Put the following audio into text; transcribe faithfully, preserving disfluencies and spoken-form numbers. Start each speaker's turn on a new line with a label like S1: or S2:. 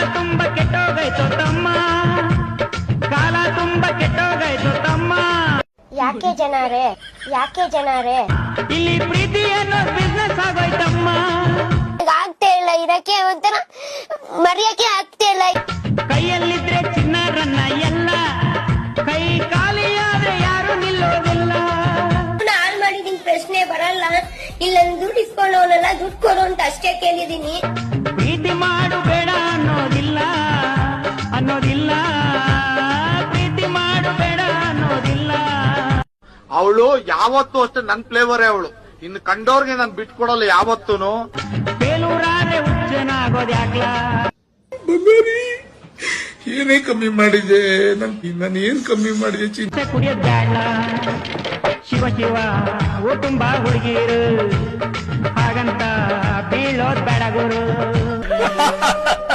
S1: ತುಂಬಾ ಕೆಟ್ಟೋಗೈತು ತಮ್ಮ, ಕಾಲ ತುಂಬಾ ಕೆಟ್ಟೋಗೈತು ತಮ್ಮ.
S2: ಯಾಕೆ ಜನರೇ ಯಾಕೆ ಜನರೇ
S1: ಇಲ್ಲಿ ಪ್ರೀತಿ ಅನ್ನೋ ಬಿಸ್ನೆಸ್ ಆಗೋಯ್ತಮ್ಮ.
S2: ಆಗ್ತಾ ಇಲ್ಲ, ಇದಕ್ಕೆ ಒಂಥರ ಮರೆಯಕ್ಕೆ ಆಗ್ತಾ ಇಲ್ಲ.
S1: ಕೈಯಲ್ಲಿದ್ರೆ ಚಿನ್ನರನ್ನ ಎಲ್ಲ, ಕೈ ಖಾಲಿಯಾದ್ರೆ ಯಾರು ನಿಲ್ಲೋದಿಲ್ಲ.
S2: ಹಾಳು ಮಾಡಿದೀನಿ, ಪ್ರಶ್ನೆ ಬರಲ್ಲ. ಇಲ್ಲ ದುಡ್ಡು ಇಸ್ಕೊಂಡವನಲ್ಲ, ದುಡ್ಡು ಕೊಡು ಅಂತ ಅಷ್ಟೇ ಕೇಳಿದೀನಿ.
S1: ಪ್ರೀತಿ ಮಾಡು ಬೇಡ ಅನ್ನೋದಿಲ್ಲ ಅನ್ನೋದಿಲ್ಲ, ಪ್ರೀತಿ ಮಾಡು ಬೇಡ ಅನ್ನೋದಿಲ್ಲ.
S3: ಅವಳು ಯಾವತ್ತೂ ಅಷ್ಟೇ ನನ್ ಫ್ಲೇವರೇ ಅವಳು. ಇನ್ನು ಕಂಡೋರ್ಗೆ ನಾನು ಬಿಟ್ಕೊಡಲ್ಲ ಯಾವತ್ತೂನು.
S1: ಬೇಲೂರಾದ್ರೆ ಹುಚ್ಚನಾಗೋದ್ ಯಾಕ್ಲ?
S4: ಏನೇ ಕಮ್ಮಿ ಮಾಡಿದೆ ನಾನು, ಏನ್ ಕಮ್ಮಿ ಮಾಡಿದೆ?
S1: ಚಿಂತೆ ಕುಡಿಯೋದ್ ಬ್ಯಾಡ, ಶಿವ ಶಿವ ಓ ತುಂಬಾ ಹುಡುಗಿರು, ಹಾಗಂತ ಬೀಳೋದ್ ಬೇಡ ಗುರು.